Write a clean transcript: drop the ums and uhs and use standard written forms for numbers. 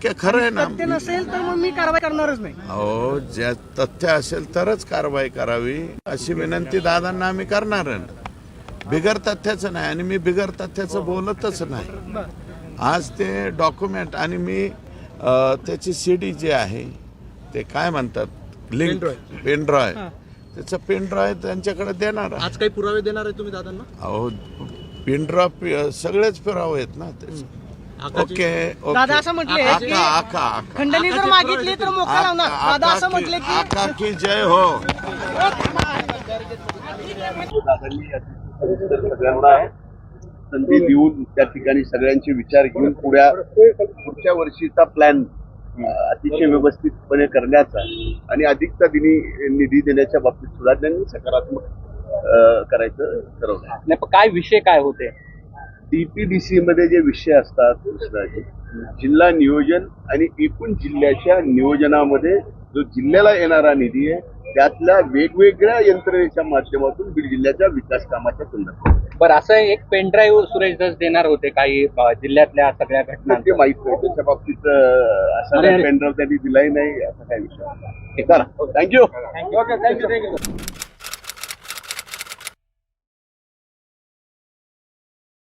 टक्के खरं आहे ना. तथ्य नसेल तर मग मी कारवाई करणारच नाही. अहो, ज्या तथ्य असेल तरच कारवाई करावी अशी विनंती दादांना आम्ही करणार आहे ना. बिगर तथ्याचं नाही आणि मी बिगर तथ्याचं बोलतच नाही. आज ते डॉक्युमेंट आणि मी त्याची CD जी आहे ते काय म्हणतात लिंक पेनड्राईव्ह त्याचं पेनड्राईव्ह त्यांच्याकडे देणार आहे. आज काही पुरावे देणार आहे तुम्ही दादांना? अहो, पेनड्राईव्ह सगळेच पुरावे आहेत ना त्याचे. ओके दादा असं म्हटले की आका खंडणी जर मागितली तर मोका लावणार. दादा असं म्हटले की आका की जय हो. दादांनी सगळ्यांना संधी देऊन त्या ठिकाणी सगळ्यांचे विचार घेऊन पुढच्या वर्षीचा प्लॅन अतिशय व्यवस्थितपणे करण्याचा आणि अधिकचा निधी देण्याच्या बाबतीत सुद्धा त्यांनी सकारात्मक करायचं ठरवलं. नाही पण काय विषय काय होते? DPDC मध्ये जे विषय असतात कृष्णाजी, जिल्हा नियोजन आणि एकूण जिल्ह्याच्या नियोजनामध्ये जो जिल्ह्याला येणारा निधी आहे त्यातल्या वेगवेगळ्या यंत्रणेच्या माध्यमातून बीड जिल्ह्याच्या विकास कामाच्या संदर्भात. बरं, असं एक पेनड्राईव्ह सुरेश धस देणार होते काही जिल्ह्यातल्या सगळ्या घटना. ते माहित नाही त्याच्या बाबतीत असा पेनड्राईव्ह त्यांनी दिलाही नाही असा काय विषय. थँक्यू.